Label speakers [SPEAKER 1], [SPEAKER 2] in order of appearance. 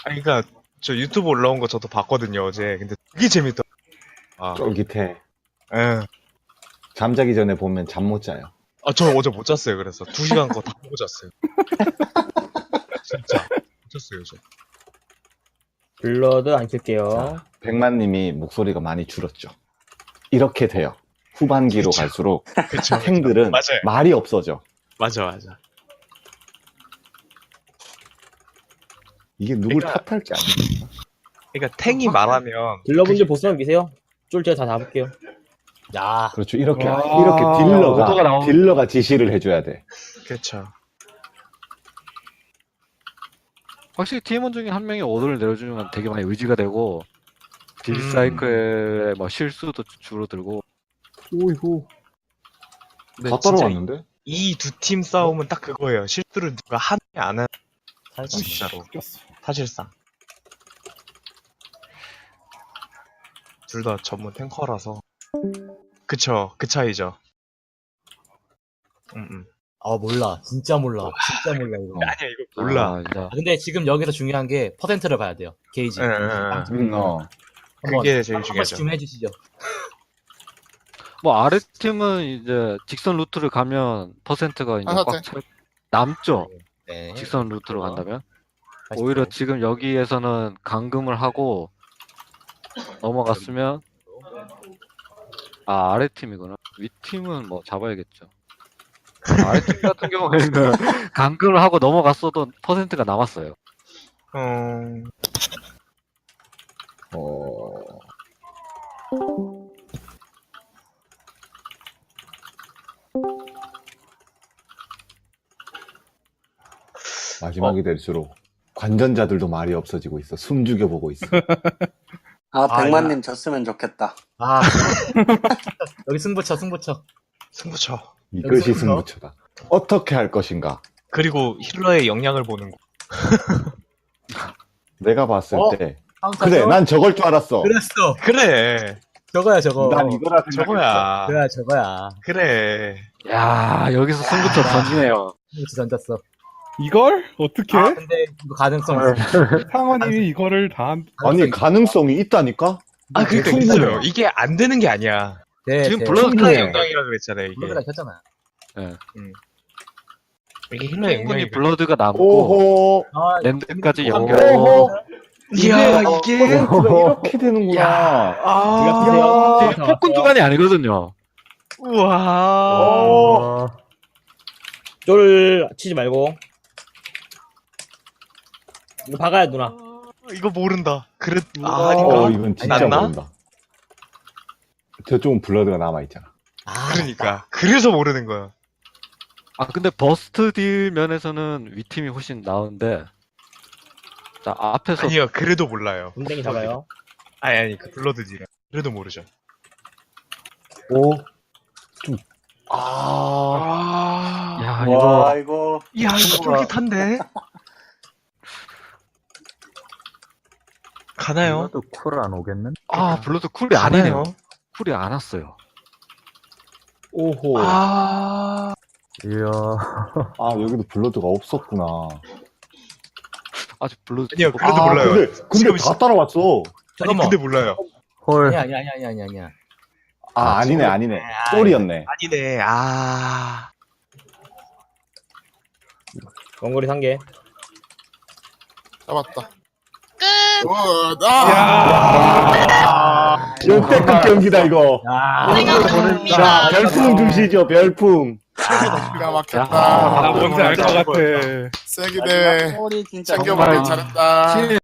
[SPEAKER 1] 아니, 그니까, 저 유튜브 올라온 거 저도 봤거든요, 어제. 근데 되게 재밌다. 아,
[SPEAKER 2] 쫄깃해.
[SPEAKER 1] 예.
[SPEAKER 2] 잠자기 전에 보면 잠 못 자요.
[SPEAKER 1] 아, 저 어제 못 잤어요, 그래서. 2시간 거 다 보고 잤어요. 진짜. 못 잤어요, 저.
[SPEAKER 3] 블러드 안 킬게요.
[SPEAKER 2] 자, 백만님이 목소리가 많이 줄었죠. 이렇게 돼요. 후반기로
[SPEAKER 1] 그쵸.
[SPEAKER 2] 갈수록
[SPEAKER 1] 그쵸.
[SPEAKER 2] 탱들은
[SPEAKER 1] 맞아요.
[SPEAKER 2] 말이 없어져.
[SPEAKER 1] 맞아.
[SPEAKER 2] 이게 누굴
[SPEAKER 1] 그러니까-
[SPEAKER 2] 탓할지 아니야.
[SPEAKER 1] 그러니까 탱이 말하면
[SPEAKER 3] 딜러분들 보스만 미세요. 쫄 제가 다 잡을게요. 야,
[SPEAKER 2] 그렇죠. 이렇게
[SPEAKER 4] 와,
[SPEAKER 3] 오도가 나오면-
[SPEAKER 2] 딜러가 지시를 해줘야 돼.
[SPEAKER 1] 그렇죠.
[SPEAKER 4] 확실히 팀원 중에 한 명이 오더를 내려주는 건 되게 많이 의지가 되고 딜사이클의 뭐 실수도 줄어들고.
[SPEAKER 2] 오이고.
[SPEAKER 1] 근데
[SPEAKER 2] 다
[SPEAKER 1] 진짜
[SPEAKER 2] 따라왔는데?
[SPEAKER 1] 이 두 팀 싸움은 딱 그거예요. 실수를 누가 하느냐 안 하느냐. 진짜로. 사실상. 둘 다 전문 탱커라서. 그쵸. 그 차이죠.
[SPEAKER 3] 몰라. 진짜 몰라. 진짜 몰라, 이거.
[SPEAKER 1] 아니야, 이거 몰라.
[SPEAKER 4] 아, 이제
[SPEAKER 3] 근데 지금 여기서 중요한 게 퍼센트를 봐야 돼요. 게이지.
[SPEAKER 1] 응.
[SPEAKER 3] 한번
[SPEAKER 1] 그게 제일
[SPEAKER 3] 한
[SPEAKER 1] 중요하죠.
[SPEAKER 3] 번씩 좀 해주시죠.
[SPEAKER 4] 뭐 아래 팀은 이제 직선 루트를 가면 퍼센트가 이제 꽉 남죠.
[SPEAKER 3] 네.
[SPEAKER 4] 직선 루트로 간다면.
[SPEAKER 3] 80%.
[SPEAKER 4] 오히려 지금 여기에서는 감금을 하고 넘어갔으면 아래 팀이구나. 위 팀은 뭐 잡아야겠죠. 아래 팀 같은 경우에는 감금을 하고 넘어갔어도 퍼센트가 남았어요.
[SPEAKER 2] 마지막이 될수록 관전자들도 말이 없어지고 있어. 숨 죽여보고 있어.
[SPEAKER 5] 백만님 졌으면 좋겠다.
[SPEAKER 3] 아. 여기 승부처.
[SPEAKER 1] 승부처.
[SPEAKER 2] 이것이
[SPEAKER 3] 여기서
[SPEAKER 2] 승부처다. 어떻게 할 것인가?
[SPEAKER 1] 그리고 힐러의 역량을 보는 거.
[SPEAKER 2] 내가 봤을
[SPEAKER 3] 어?
[SPEAKER 2] 때
[SPEAKER 3] 카운터
[SPEAKER 2] 그래
[SPEAKER 3] 죠?
[SPEAKER 2] 난 저걸 줄 알았어.
[SPEAKER 3] 그랬어.
[SPEAKER 1] 그래.
[SPEAKER 3] 저거야, 저거.
[SPEAKER 2] 난 이거라 생각했어.
[SPEAKER 1] 저거야.
[SPEAKER 3] 그래, 저거야.
[SPEAKER 1] 그래.
[SPEAKER 4] 야 여기서 승부처 던지네요.
[SPEAKER 3] 승부처 던졌어.
[SPEAKER 6] 이걸? 어떻게?
[SPEAKER 3] 아, 근데 이거 가능성 있어.
[SPEAKER 6] 상원님이 이거를 다
[SPEAKER 2] 아니 가능성이 있다니까?
[SPEAKER 1] 아, 그러니까
[SPEAKER 2] 충분해요.
[SPEAKER 1] 있어요. 이게 안 되는 게 아니야.
[SPEAKER 3] 네,
[SPEAKER 4] 지금
[SPEAKER 3] 네.
[SPEAKER 4] 블러드
[SPEAKER 1] 힐러의
[SPEAKER 2] 충분해.
[SPEAKER 1] 역량이라고 그랬잖아요, 이게.
[SPEAKER 3] 블러드가 켰잖아.
[SPEAKER 1] 이게 힐러의
[SPEAKER 4] 충분히
[SPEAKER 1] 역량이.
[SPEAKER 4] 블러드가 남고
[SPEAKER 2] 오호.
[SPEAKER 3] 아,
[SPEAKER 4] 랜드까지
[SPEAKER 3] 재밌다.
[SPEAKER 4] 연결.
[SPEAKER 2] 오호.
[SPEAKER 1] 이야, 이게.
[SPEAKER 2] 퍼센트가 이렇게 되는구나.
[SPEAKER 3] 네가 피세요.
[SPEAKER 4] 이게 폭군 주간이 아니거든요.
[SPEAKER 1] 우와.
[SPEAKER 3] 쫄 치지 말고. 이거 박아야 누나.
[SPEAKER 1] 이거 모른다. 그래,
[SPEAKER 2] 어,
[SPEAKER 1] 아닌가?
[SPEAKER 2] 이건 진짜
[SPEAKER 1] 맞나?
[SPEAKER 2] 모른다. 저쪽은 블러드가 남아있잖아.
[SPEAKER 3] 아,
[SPEAKER 1] 그러니까. 그래서 모르는 거야.
[SPEAKER 4] 아 근데 버스트 딜 면에서는 위 팀이 훨씬 나은데. 자 앞에서
[SPEAKER 1] 아니요, 그래도 몰라요.
[SPEAKER 3] 동댕이 잡아요.
[SPEAKER 1] 아니, 그 블러드지. 그래도 모르죠.
[SPEAKER 2] 오.
[SPEAKER 1] 아.
[SPEAKER 4] 야
[SPEAKER 5] 와,
[SPEAKER 4] 이거
[SPEAKER 5] 이거.
[SPEAKER 1] 야, 이거 쫄깃한데? 가나요?
[SPEAKER 7] 쿨 안 오겠는?
[SPEAKER 4] 블러드 쿨이
[SPEAKER 1] 가나요?
[SPEAKER 4] 아니네요. 쿨이 안 왔어요.
[SPEAKER 2] 오호.
[SPEAKER 1] 아.
[SPEAKER 7] 이야.
[SPEAKER 2] 아, 여기도 블러드가 없었구나.
[SPEAKER 4] 아직 블러드.
[SPEAKER 1] 아니요, 그래도
[SPEAKER 2] 아,
[SPEAKER 1] 몰라요.
[SPEAKER 2] 근데
[SPEAKER 1] 지금
[SPEAKER 2] 다 따라왔어.
[SPEAKER 1] 아니,
[SPEAKER 3] 잠깐만.
[SPEAKER 1] 근데 몰라요.
[SPEAKER 7] 헐.
[SPEAKER 3] 아니야.
[SPEAKER 2] 아, 아니네. 쫄이었네.
[SPEAKER 1] 아니네, 아.
[SPEAKER 3] 원거리 3개.
[SPEAKER 8] 잡았다.
[SPEAKER 2] 역대급 경기다, 이거.
[SPEAKER 3] 야,
[SPEAKER 2] 자, 별풍 주시죠, 별풍.
[SPEAKER 8] 기가 막혔다.
[SPEAKER 6] 아, 뭔지 알 것 같아.
[SPEAKER 8] 세기 대회
[SPEAKER 5] 소리 진짜
[SPEAKER 8] 챙겨보길
[SPEAKER 4] 정말.
[SPEAKER 8] 잘했다.